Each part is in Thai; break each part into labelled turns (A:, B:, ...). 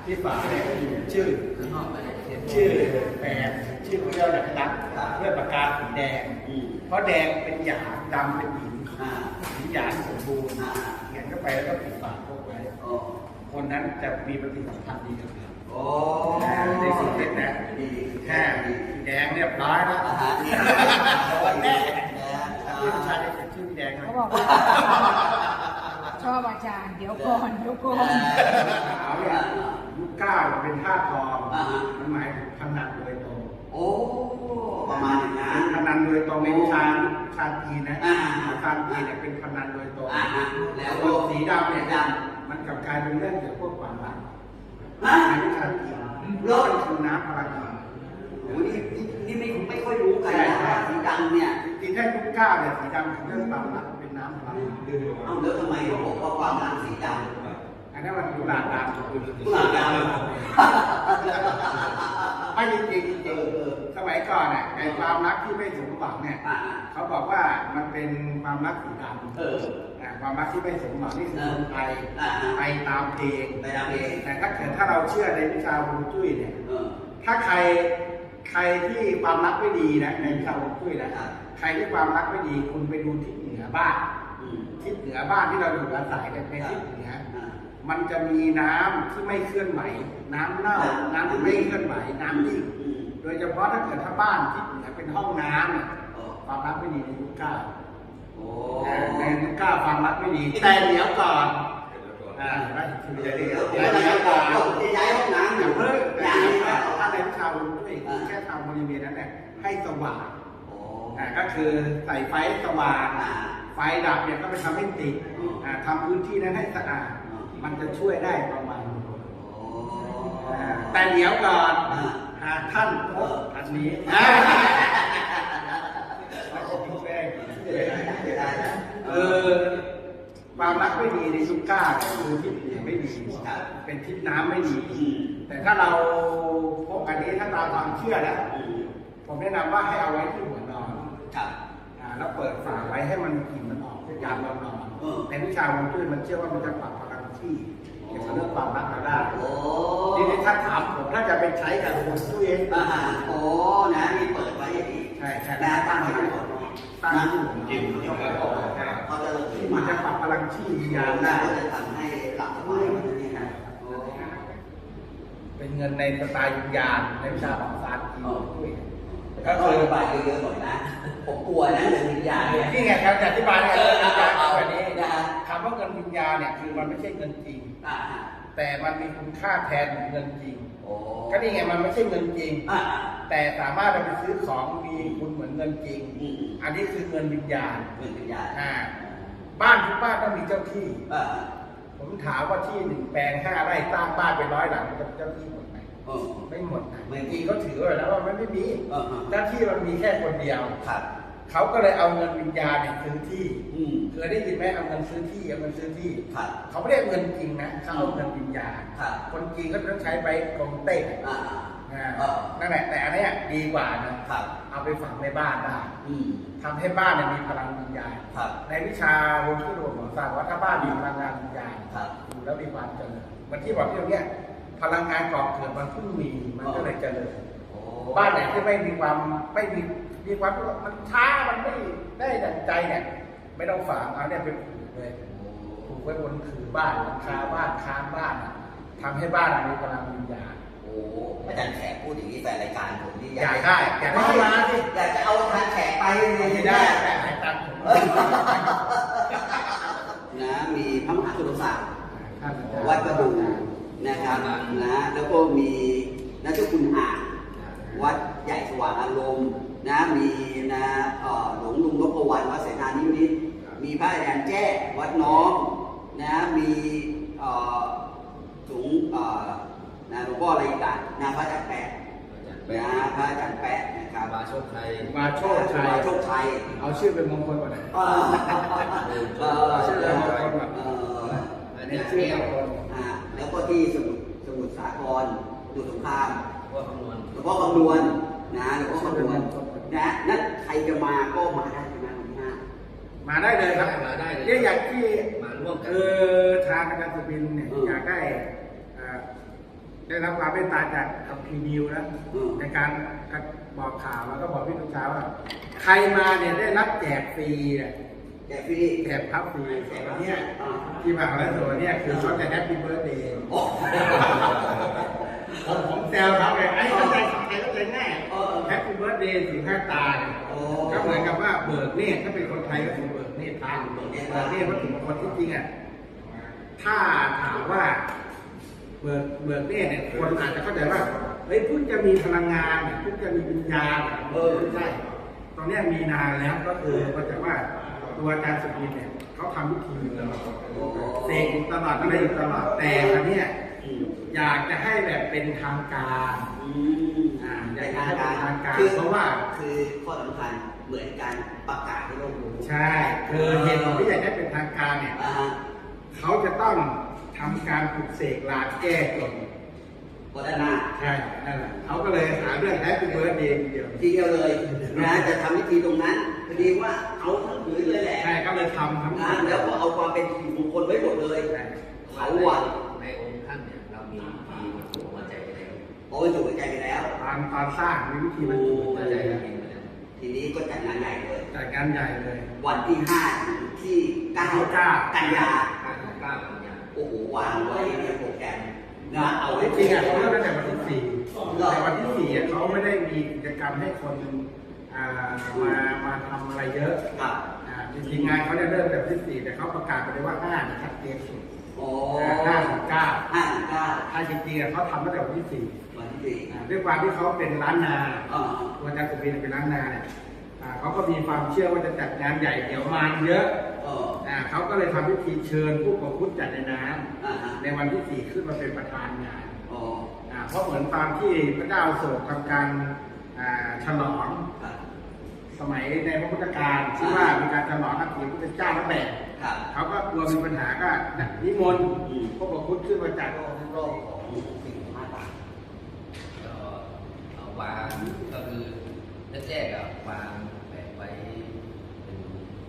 A: ที่ฝาเนี่ยชื่อชื่อแปดชื่อเรียกอะไรนะด้วยปากกาสีแดงเพราะแดงเป็นหยางดำเป็นหินหินหยางสมบูรณ์เขียนเข้าไปแล้วก็ปิดฝาพวกไว้คนนั้นจะมีปฏิสัมพันธ์ดีกับเราในสุดเลยนะแค่แดงเรียบร้อยแล้ววันแรกที่ผู้ชายจะชื่อแดงเขาบอก
B: ชอบอาจารย์เดี๋ยวก่อน
A: ขาวเนี่ยยุค9เป็นท่าทองมันหมายถึงพนันโดยตรง
C: ประมาณอย่างนั้น
A: พนันโดยตรงในวิชาจีนนะวิชาจีนเนี่ยเป็นพนันโดยตรงแล้วตัวสีดำเนี่ยมันกลับกลายเป็นเรื่องเกี่ยวกับพวกความรักในวิชาจีนเรื่องคือน้ำพลังงาน
C: นี่ไม่ค่อยรู้กันนะสีดำเนี่ย
A: จริงๆถ้ายุค9เนี่ยสีดำคือเรื่องความรักเป็นน้ำพลังงาน
C: แล้วทำไมเขาบอกว่าความรักสีดำ
A: อันนั้นมันกุหลาบดำ
C: กุหลาบดำ
A: ไม่จริงสมัยก่อนเนี่ยไอ้ความรักที่ไม่สมหวังเนี่ยเขาบอกว่ามันเป็นความรักสีดำความรักที่ไม่สมหวังนี่คือคนไทยไปตามเพลงแต่ถ้าเกิดถ้าเราเชื่อในวิชาฮวงจุ้ยเนี่ยถ้าใครที่ความรักไม่ดีนะในวิชาฮวงจุ้ยนะใครที่ความรักไม่ดีคุณไปดูทิศเหนือบ้านทิศเหนือบ้านที่เราอยู่อาศัยกันในทิศเหนือมันจะมีน้ำที่ไม่เคลื่อนไหวน้ำเน่าน้ำที่ไม่เคลื่อนไหวน้ำนิ่งโดยเฉพาะถ้าเกิดถ้าบ้านทิศเหนือเป็นห้องน้ำเนี่ยความรักไม่ดีในยุค9ในยุค9ความรักไม่ดีแต่เดี๋ยวก่อน
C: ย้ายห้องน้ำ
A: อย่างเพิ่งถ้าในวิชาฮวงจุ้ยแค่ทำบริเวณนั้นแหละให้สว่างก็คือใส่ไฟสว่างไฟดับเนี่ยก็ไปทำให้ติดทำพื้นที่นั้นให้สะอาดมันจะช่วยได้ประมาณแต่เดี๋ยวก่อนหากท่านพบอันนี้ความรักไม่ดีในยุค9คือทิศเหนือไม่ดีเป็นทิศน้ำไม่ดีแต่ถ้าเราพบอันนี้ถ้าตามความเชื่อนะผมแนะนำว่าให้เอาไว้ที่หัวนอนแล้วเปิดฝาไว้ให้มันกลิ่นมันออกยามเรานอนในวิชาฮวงจุ้ยมันเชื่อว่ามันจะปรับพลังที่เกี่ยวกับเรื่องความรักเราได้ทีนี้ถ้าถามผมถ้าจะไปใช้กับฮวงจุ้ยเอง
C: นะนี่เปิดไว้อย่างนี้
A: ใช่
C: ตั้งไว้ที่หัวนอนตั้ง
A: จริง
C: เขาจะ
A: มันจะปรับพลังที่ยามได้
C: จะทำให้หลับสบายนี่นะ
A: เป็นเงินในสไตล์วิญญาณในวิชาของศาสตร์จีน
C: ก็เคยอธิบายเยอะๆหน่อยนะผมกลัวนะเรื่องวิญญาณเนี่ย
A: นี่ไงครับอธิบายเนี่ยวิญญาณแบบนี้คำว่าเงินวิญญาณเนี่ยคือมันไม่ใช่เงินจริงแต่มันมีคุณค่าแทนเงินจริงก็นี่ไงมันไม่ใช่เงินจริงแต่สามารถไปซื้อของมีคุณเหมือนเงินจริงอันนี้คือเงินวิญญาณบ้านทุกบ้านต้องมีเจ้าที่ผมถามว่าที่1 แปลง 5 ไร่สร้างบ้านเป็น100 หลังเจ้าที่หมดไหมไม่หมดนะจริงเขาถือไว้แล้วว่ามันไม่มีเจ้าที่มันมีแค่คนเดียวเขาก็เลยเอาเงินวิญญาณเนี่ยซื้อที่เคยได้ยินไหมเอาเงินซื้อที่เอาเงินซื้อที่เขาไม่ได้เงินจริงนะเขาเอาเงินวิญญาณคนจริงก็ต้องใช้ไปกงเต้นั่นแหละแต่อันนี้ดีกว่านะเอาไปฝังในบ้านได้ทำให้บ้านเนี่ยมีพลังวิญญาณในวิชาฮวงจุ้ยของศาสตร์ว่าถ้าบ้านมีพลังงานวิญญาณอยู่แล้วมีความเจริญมันที่บอกที่ตรงนี้พลังงานก่อเกิดมันเพิ่งมีมันก็เลยเจริญบ้านไหนที่ไม่มีความมันช้ามันไม่ได้ดั่งใจเนี่ยไม่ต้องฝังเอาเนี่ยเป็นผูกเลยผูกไว้บนคือบ้านหลังคาบ้านคานบ้านทำให้บ้านมีพลังวิญญาณ
C: อาจารย์แขกพูดอย่างนี้แฟนรายการผมนี่
A: อยากได้มาสิ
C: อยากจะเอาอาจารย์แขกไป
A: ไม่ได้แต่ให้ตังค์ผม
C: นะมีพระมหาสุรศักดิ์วัดกระดูนะครับนะแล้วก็มีนักเจ้าคุณอ่างวัดใหญ่สว่างอารมณ์นะมีนะหลวงลุงนพวรรณวัดเสนานิมิตมีพระอาจารย์แจ้วัดน้องนะมีสูงนะหลวงพ่ออะไรกันนะพระอาจารย์แปะนะพระอาจารย์แปะนะครับ
A: มาโชคชัยเอาชื่อเป็นมงคลก่อนนะชื่อเป็นมงคลก่อน
C: เนี่ยชื่อแล้วก็ที่สมุทรสาครสงครามหลวงพ่อคำนวณนะหลวงพ่อคำนวณนะนั่นใครจะมาก็มาได้ใช่ไหมวันที่5
A: มาได้เลยครับ
C: มาได้เลย
A: อย่างที่
C: มาร่วมกัน
A: ทางอาจารย์สุบินเนี่ยอยากได้ได้รับความเมตตาจากคัมภีร์นิวนะในการบอกข่าวแล้วก็บอกพี่ลูกช้าว่าใครมาเนี่ยได้รับแจกฟรีเนี่ย
C: แจกฟรี
A: แจกพับฟรีวันนี้ที่มาของส่วนนี้คือเขาจะแฮปปี้เบิร์ธเดย์ผมแซวเขาเลยไอ้เข้าใจง่ายแฮปปี้เบิร์ธเดย์ถึง5 ตาก็เหมือนกับว่าเบิกเนตรถ้าเป็นคนไทยก็คือเบิกเนตรทางเบิกเนตรวัตถุมงคลที่จริงอ่ะถ้าถามว่าเบิกเนตรเนี่ยคนอาจจะเข้าใจว่าเฮ้ยพุ่งจะมีพลังงานพุ่งจะมีวิญญาณใช่ตอนนี้มีนานแล้วก็คือก็จะว่าตัวอาจารย์สุกินเนี่ยเขาทำพิธีอยู่ตลอดเสกตลอดอะไรอยู่ตลอดแต่ครั้งนี้อยากจะให้แบบเป็นทางการอยากจะให้เป็นทางการเพราะว่า
C: คือข้อสำคัญเหมือนการประกาศให้โลกรู้
A: ใช่คือเหตุผลที่อยากให้เป็นทางการเนี่ยเขาจะต้องทำการปลุกเสกลาแก้กฎ
C: ก็ได้นะ
A: ใช่นั่นแหละเขาก็เลยหาเรื่องแฮปปี้เบิร์ธเดย์
C: ทีเดียวเลยนะจะทำพิธีตรงนั้นพอดีว่าเอาทั้งผืนเลยแหละ
A: ใช่ก็เลยทำทั้ง
C: นั้นแล้วก็เอาความเป็นมงคลไว้หมดเลยเขาวัน
D: ในองค์ท่านเนี่ยเรามีวิธีบรรจุหัวใจไปแล้ว
C: บรรจุหัวใจไปแล้ว
A: ตอนสร้างมีวิธีบรรจุหัวใจ
C: ทีนี้ก็จัดงานใหญ่เลย
A: จัดงานใหญ่เลย
C: วันที่5ถึงที่9กันยาโอ้โหวางไว้ในโปรแกรมนะเอาไว้
A: จริงอ่ะเขาเริ่มตั้งแต่วันที่4แต่วันที่4เขาไม่ได้มีกิจกรรมให้คนมาทำอะไรเยอะจริงๆงานเขาได้เริ่มแต่วันที่4แต่เขาประกาศไปเลยว่า5ชัดเจนสุด5-9ถ้าจริงๆเขาทำตั้งแต่วันที่4ด้วยความที่เขาเป็นร้านนาตัวอาจารย์สุบินเป็นร้านนาเนี่ยเขาก็มีความเชื่อว่าจะจัดงานใหญ่เดี๋ยวมาเยอะเขาก็เลยทำพิธีเชิญผู้ประพุทธจัดในน้ำในวันที่4ขึ้นมาเป็นประธานงานเพราะเหมือนตามที่พระเจ้าโศกทำการฉลองสมัยในพระพุทธการที่ว่ามีการฉลองนับถือพระพุทธเจ้าและแบบเขาก็กลัวมีปัญหาก็นิมนต์ผู้ประพุทธขึ้นมาจาก
C: โลกของสิ่งต่าง
D: วางก็คือแรกๆวางแปะไว้เป็น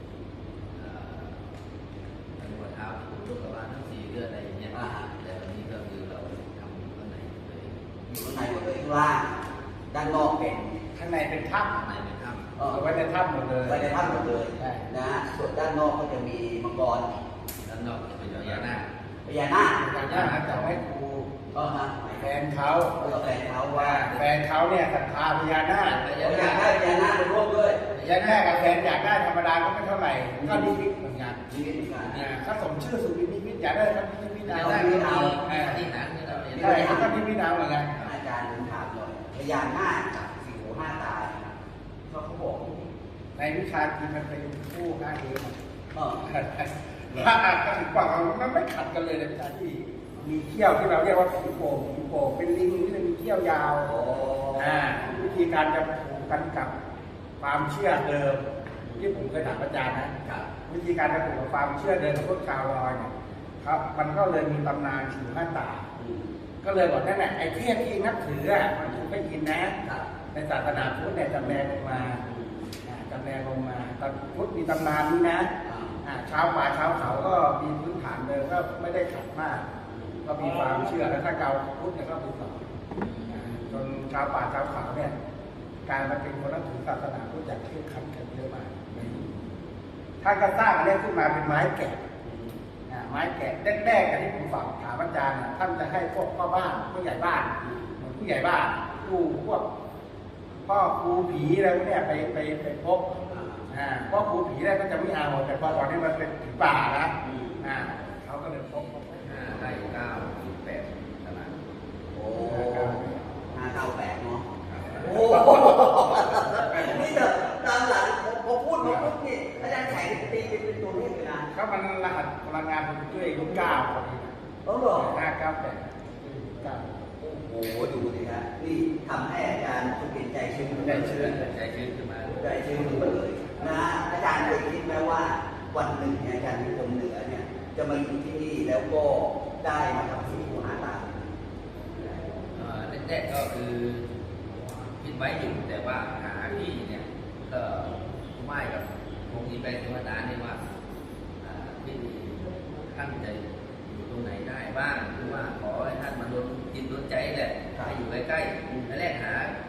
D: หัวเท้าลูกกระบาลทั้ง4เลือดอะไรอย่างเงี้ยแต่วันนี้ก็คือเราทำข้างในเลย
C: อยู่ข้างในหมดเลยข้างล่างด้านนอกเป็น
A: ข้างในเป็นถ้ำ
D: ในเป็นถ้
A: ำไว้ในถ้ำหมดเลย
C: ไว้ในถ้ำหมดเลยนะส่วนด้านนอกก็จะมีมังกร
D: ด้านนอกจะเป็นพญานาค
A: จะให้ครูแฟนเขาว่าแฟนเขาเนี่ยศรัทธาพญานาค
C: อยากได้พญานาคเป็นร่วมด้วย
A: พญานาคกับแฟนอยากได้ธรรมดาก็ไม่เท่าไหร่ก็นิมิตเหมือนกันถ้าสมชื่อสุวินนิมิตอยากได้ก็นิมิตเอา
D: ที่นั้น
A: ใช่เขาก็นิมิตเอาเหมือนกัน
C: อาจารย์ถามหน่อยพญานาคกับ4 หู 5 ตาเขาบอก
A: ในวิชาจีนมันเป็นคู่นะเองถ้าถึงกว่ามันไม่ขัดกันเลยในวิชาที่มีเขี้ยวที่เราเรียกว่าผีโป่งเป็นลิงที่มีเขี้ยวยาววิธีการจะผูกกันกับความเชื่อเดิมที่ผมเคยถามอาจารย์นะวิธีการจะผูกกับความเชื่อเดิมของพวกชาวลอยเนี่ยครับมันก็เลยมีตำนานถึงหน้าตาก็เลยบอกนั่นแหละไอ้เทพที่นับถือมันถูกไม่ยินนะในศาสนาพุทธเนี่ยจำแรงลงมาตอนพุทธมีตำนานนี้นะชาวป่าชาวเขาก็มีพื้นฐานเดิมก็ไม่ได้ขัดมากก็มีความเชื่อแล้วถ้าเราพุทธเนี่ยก็มีต่อจนชาวป่าชาวเขาเนี่ยการมาเป็นคนนับถือศาสนาพุทธจากที่ขัดกันเยอะมากท่านก็สร้างอันนี้ขึ้นมาเป็นไม้แกะแรกๆที่ผมฝากถามอาจารย์ท่านจะให้พวกพ่อบ้านผู้ใหญ่บ้านผู้ใหญ่บ้านพวกพ่อครูผีอะไรพวกนี้ไปพบพ่อครูผีอะไรก็จะไม่เอาแต่พอตอนนี้มันเป็นผีป่านะเขาก็เลยพบ
D: ได้9-8ตาราง
C: โอ้5-9-8เนาะโอ้นี่เถอะตามหลังพอพูดมาปุ๊บนี่อาจารย์แข่งตีเป็นตัวเลขเลยนะ
A: ก็มันรหัสพลังงานของตัวเองรุ่น9พอดีนะ
C: เหรอ
A: 5-9-8
C: โอ้โหดูดิฮะนี่ทำให้อาจารย์สุขินใจชื้นขึ้นมาเลยนะอาจารย์เคยคิดไหมว่าวันหนึ่งอาจารย์มีคนเหนือเนี่ยจะมาอยู่ที่นี่แล้วก็ได้มาทำ4 หู 5 ตา
D: แรกๆก็คือคิดไว้อยู่แต่ว่าหาที่เนี่ยก็ไม่กับคงมีไปถึงว่าตาเนี่ยว่าที่ท่านจะอยู่ตรงไหนได้บ้างหรือว่าขอให้ท่านมาโดนจิตโดนใจอะไร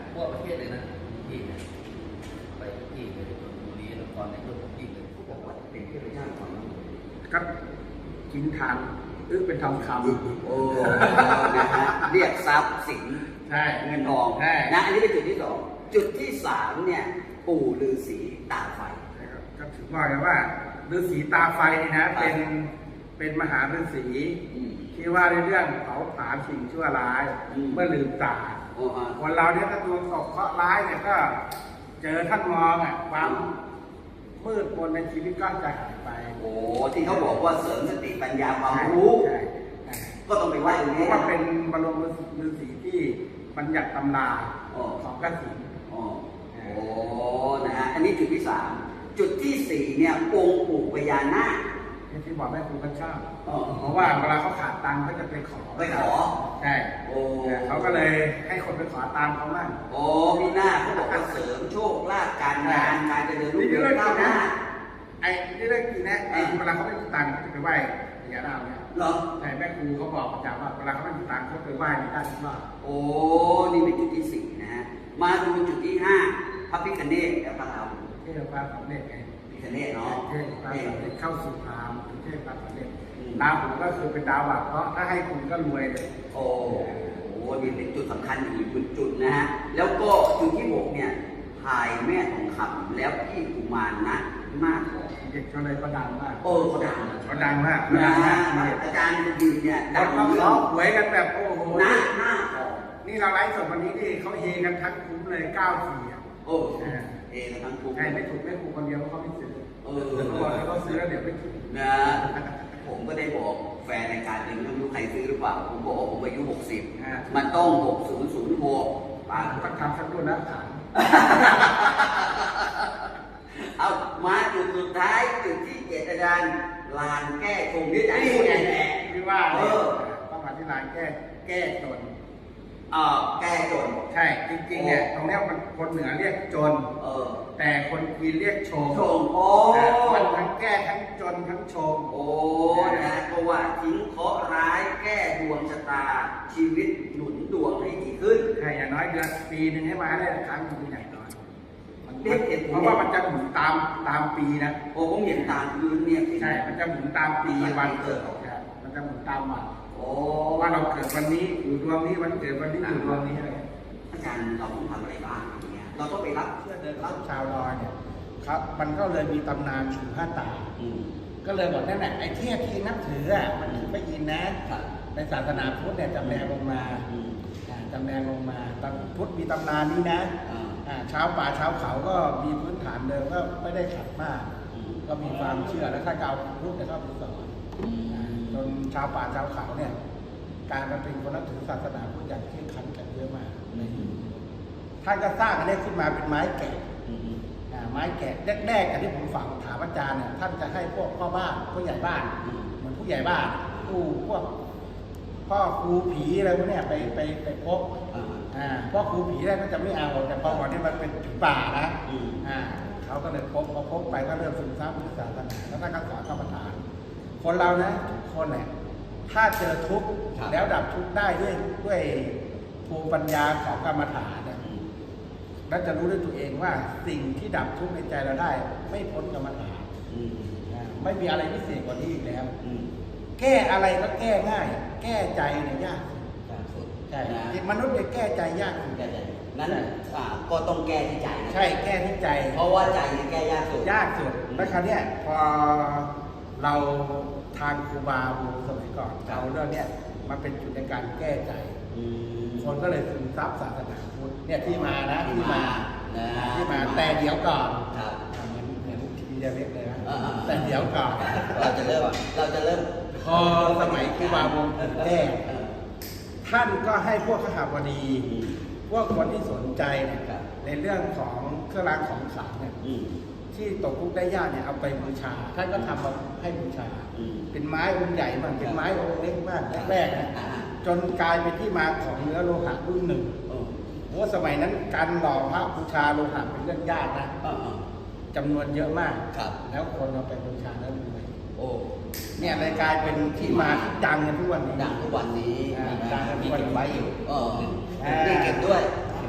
D: ทั่วประเทศเลยนะที่เนี่ยไปที่เลยบุรีนครในทุกที่เลย
C: เขาบอกว่าเป็นเทพเจ้าของ
A: ครับกินทานเป็นทองคำ
C: โอ้นะฮะเรียกทรัพย์สิน
A: ใช่
C: เงินทอง
A: ใช่
C: นะอันนี้เป็นจุดที่สองจุดที่สามเนี่ยปู่ฤาษีตาไฟ
A: นะครับก็ถือว่าไงว่าฤาษีตาไฟนี่นะเป็นมหาฤาษี
C: อืม
A: ที่ว่าในเรื่องเผาผลาญสิ่งชั่วร้าย
C: อืม
A: เมื่อลืมตา
C: โอ้ฮะ
A: คนเราเนี่ยถ้าดวงตกเคราะห์ร้ายเนี่ยก็เจอท่านมองอ่ะความมืดมนในชีวิตก็จะหายไป
C: โอ้ที่เขาบอกว่าเสริมสติปัญญาความรู้
A: ใช่ใช่
C: ก็ต้องไปไหว้ตรง
A: เพ
C: นี้
A: ราะว่าเป็นบรมฤาษีที่บัญญัติตำรา
C: อ๋อ
A: ของกสิณ
C: อ๋อโอ้นะฮะอันนี้จุดที่สามจุดที่สี่เนี่ยองค์ปู่พญานาค
A: ที่บอกแม่ครูก็ชอบ
C: อ๋อ
A: เพราะว่าเวลาเขาขาดตังค์เขาจะไปขอ
C: ไปขอ
A: ใช่
C: โอ้
A: เขาก็เลยให้คนไปขอตามเขามั่ง
C: โอ้มีหน้าเขาบอกว่าเสริมโชคลาภการงานการเจริญรุ่งเรืองก้าวหน้า
A: ไอ้นี่เรื่องจริงนะไอ้เวลาเขาไม่มีตังค์เขาจะไปไหว้พญานาคเนี่ย
C: เหรอ
A: ใช่แม่ครูเขาบอกประจำว่าเวลาเขาไม่มีตังค์เขาไปไหว้ในด้านที่ว่า
C: โอ้นี่เป็นจุดที่สี่นะฮะมาดูจุดที่ห้าพระพิฆเนศและพระราหู
A: เทพพระสำเร็จไง
C: พิฆเนศเนาะ
A: เทพพระสำเร็จเข้าสู่พราหมณ์เทพพระสำเร็จ
C: อืม
A: ดาวผมก็คือเป็นดาวหลักเพราะถ้าให้คุณก็รวยเลย
C: โอ้โหนี่เป็นจุดสำคัญอีกจุดนะฮะ แล้วก็จุดที่หกเนี่ยพายแม่ทองคำแล้วพี่กุมารนะมากกว่า
A: เด็กก็เลยก็ดังมาก
C: โอ้เขาดัง
A: เขาดังมาก
C: นะ
A: ดังมาก
C: อาจารย์ยืนเนี่ย
A: ดั
C: ดั
A: ง
C: ง
A: เขา
C: เรื่
A: เขา
C: อง
A: หวยกันแบบโอ้โห
C: หน้าของ
A: นี่เราไลฟ์สดวันนี้นี่เขาเฮกันทั้งคุ้มเลย9-4อ่ะ
C: โอ้เอทั้งคู่
A: ใช่ไม่ถูกไม่ถูกคนเดียวเพราะเขาไม่ซื้อ
C: เอ
A: เขาบอกแล้วเขาซื้อแล้วเดี๋ยวไม่ถูก
C: นะผมก็ได้บอกแฟนในการเองไม่รู้ใครซื้อหรือเปล่าผมบอกว่าผมอายุ60มันต้อง6006ป่ะ
A: ต้องทำสักรุ่นนะถาม
C: เอามาจุดสุดท้ายจุดที่เจ็ดอาจารย์ลานแก้ชงที่อาจารย์พูดนี่แหละ
A: ที่ว่าต้องมาที่ร้านแก้จน
C: แก้จน
A: ใช่จริงๆเนี่ยตรงเนี้ยมันคนเหนือเรียกจน
C: เออ
A: แต่คนจีนเรียกชง
C: ชงโอ้
A: มันทั้งแก้ทั้งจนทั้งชง
C: โอ้นะก็ว่าทิ้งเคราะห์ร้ายแก้ดวงชะตาชีวิตหนุนดวงให้ดีขึ้น
A: ใช่อย่างน้อยเดือนปีหนึ่งให้มาได้ครั้งหนึ่งใหญ่น้อย
C: เรียกเห็น
A: เพราะว่ามันจะหมุนตามปีนะ
C: โอ้ผมเห็นตามพื้นเนี่ย
A: ใช่ มันจะหมุนตามปีวันเกิดครับมันจะหมุนตามวัน
C: โอ้
A: ว่าเราเกิดวันนี้อยู่ดวงนี้วันเกิดวันนี้อยู่ดวงนี้อะไร
C: อาจารย์เราต้องทำอะไรบ้างอย่างเงี้ยเราต้องไปรับเชื่อเดินรับ
A: ชาวดอยเนี่ยครับมันก็เลยมีตำนานถือผ้าตา
C: อืม
A: ก็เลยบอกนั่นแหละไอ้เทพที่นับถืออ่ะมันถือไม่ยินนะครับ ในศาสนาพุทธเนี่ยจำแรงลงมา
C: อืม
A: จำแรงลงมาตอนพุทธมีตำนานนี้นะ ชาวป่าชาวเขาก็มีพื้นฐานเดิมก็ไม่ได้ขัดมาก ก็มีความเชื่อแล้วถ้าเกาพุทธเนี่ยก็มีสอนจนชาวป่าชาวเขาเนี่ยกลารมาเป็นคนนับถือศาสนาพุทธอย่างเคร่งครัดกันเยอะมากท่านก็สร้างอันนี้ขึ้นมาเป็นไม้แกะไม้แกะแรกๆอันที่ผมฝังถามอาจารย์เนี่ยท่านจะให้พวกพ่อบ้านผู้ใหญ่บ้านเหมือนผู้ใหญ่บ้านพวกพ่อครูผีอะไรพวกเนี้ยไปพบพ่อครูผีแรกก็จะไม่เอาแต่พอวันนี้มันเป็นผีป่านะเขาก็เลยพบไปก็เริ่มศึกษาพุทธศาสนาแล้วท่านก็สอนกรรมฐาน คนเรานะทุกคนเนี่ยถ้าเจอทุกข์แล้วดับทุกข์ได้ด้วยภูมิปัญญาของกรรมฐานเนี่ยแล้วจะรู้ด้วยตัวเองว่าสิ่งที่ดับทุกข์ในใจเราได้ ไม่พ้นกรรมฐานไม่มีอะไรพิเศษกว่านี้อีกแล้วแก้อะไรก็แก้ง่าย แก้ใจเนี่ยยากใช่มนุษย์เนี่ยแก้ใจยากสุด
C: นั้นก็ต้องแก้ที่ใจนะ
A: ใช่แก้ที่ใจ
C: เพราะว่าใจเนี่ยแก้ยากสุด
A: ยากสุดแล้วคราวเนี้ยพอเราทางครูบาบูสมัยก่อนเอาเรื่องเนี้ยมาเป็นจุดในการแก้ใจ คนก็เลยซึมซับศาสนาพุทธเนี่ยที่มานะที่มาแต่เดี๋ยวก่อน
C: ครับ
A: เหมือนทีเดียวเล็กเลยนะแต่เดี๋ยวก่อน
C: เราจะเริ่ม
A: พอสมัยครูบาวงศ์แก้ท่านก็ให้พวกขหบดีพวกคนที่สนใจเนี่ยในเรื่องของเครื่องรางของขลังเนี่ยที่ตกทุกข์ได้ยากเนี่ยเอาไปบูชาท่านก็ทำมาให้บูชาเป็นไม้องค์ใหญ่มากเป็นไม้องค์เล็กมากแรกๆนะจนกลายเป็นที่มาของเนื้อโลหะรุ่นหนึ่งเพราะสมัยนั้นการหล่อพระบูชาโลหะเป็นเรื่องยากนะจำนวนเยอะมากแล้วคนเอาไปบูชาแล้วรวยเนี่ยเลยกลายเป็นที่มาที่ดังกันทุกวันนี้
C: ดังทุกวันนี้
A: ดังกันทุกวัน
C: ไว้อยู่นี่เก็บด้วย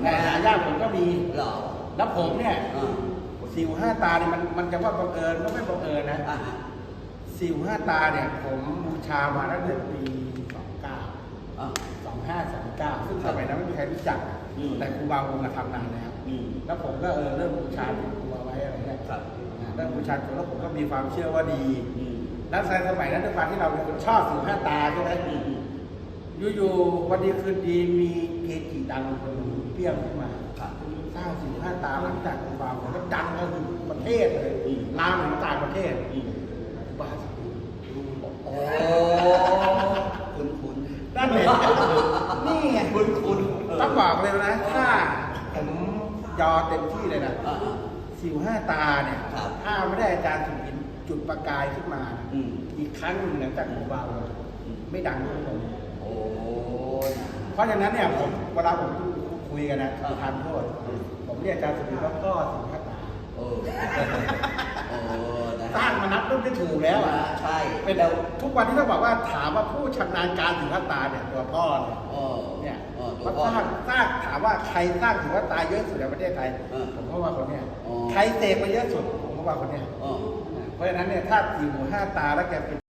A: แต่หายากผมก็มี
C: เหรอ
A: แล้วผมเนี่ย
C: อ่า
A: สิวห้าตาเนี่ยมันจะว่าบังเอิญก็ไม่บังเอิญนะ
C: อ่า
A: สิวห้าตาเนี่ยผมบูชามาตั้งแต่ปี29
C: อ่า
A: 2529ซึ่งสมัยนั้นไม่มีใครรู้จัก
C: อืม
A: แต่ครูบาวงศ์ทำนานแล้ว
C: อืม
A: แล้วผมก็เริ่มบูชาติดตัวไว้อะไรเงี้ย
C: ครับ
A: เริ่มบูชาตัวแล้วผมก็มีความเชื่อว่าดี
C: อืม
A: แล้วในสมัยนั้นด้วยความที่เราเป็นคนชอบสิวห้าตาใช่ไหม
C: อืมอืม
A: อยู่ๆวันดีคืนดีมีเกจิดังคนหนึ่งเปรี้ยงขึ้นมา
C: ครับ
A: สร้างสิวห้าตาหลังจากครูบาวงศ์ก็ดังก็คือประเทศเลย
C: อืม
A: ลามถึงต่างประเทศ
C: อืม
A: บ้าสิ
C: โอ้คุณคุณ
A: นั่นเองนี่ไง
C: คุณคุณ
A: ต้องบอกเลยนะ ถ้าผมยอเต็มที่เลยนะ
C: อ่า
A: สิวห้าตาเนี่ย
C: ครับ
A: ถ้าไม่ได้อาจารย์สุรินทร์จุดประกายขึ้นมานะ
C: อืม
A: อีกครั้งหนึ่งหลังจากครูบาเลย
C: อืม
A: ไม่ดังเท่าผม
C: โอ้ย
A: เพราะฉะนั้นเนี่ยผมเวลาผมคุยกันนะทานโทษผมเรียกอาจารย์สุรินทร์ว่าพ่อสิวห้าตา
C: เออเออนะ
A: สร้างมานับรุ่นไม่ถูกแล้วอ่ะ
C: ใช่
A: เป็นทุกวันที่ต้องบอกว่าถามว่าผู้ชำนาญการสิวห้าตาเนี่ยตัวพ่อเนี่ย
C: เออ
A: เนี่ย
C: เออตัว
A: ว่า
C: พ่อ
A: สร้างถามว่าใครสร้างถือว่าตายเยอะสุดในประเทศไทย
C: เออ
A: ผมก็ว่าคนเนี้ย
C: อ๋อ
A: ใครเสกมาเยอะสุดผมก็ว่าคนเนี้ย
C: เออ
A: เพราะฉะนั้นเนี่ยถ้าสี่หูห้าตาแล้วแกเป็น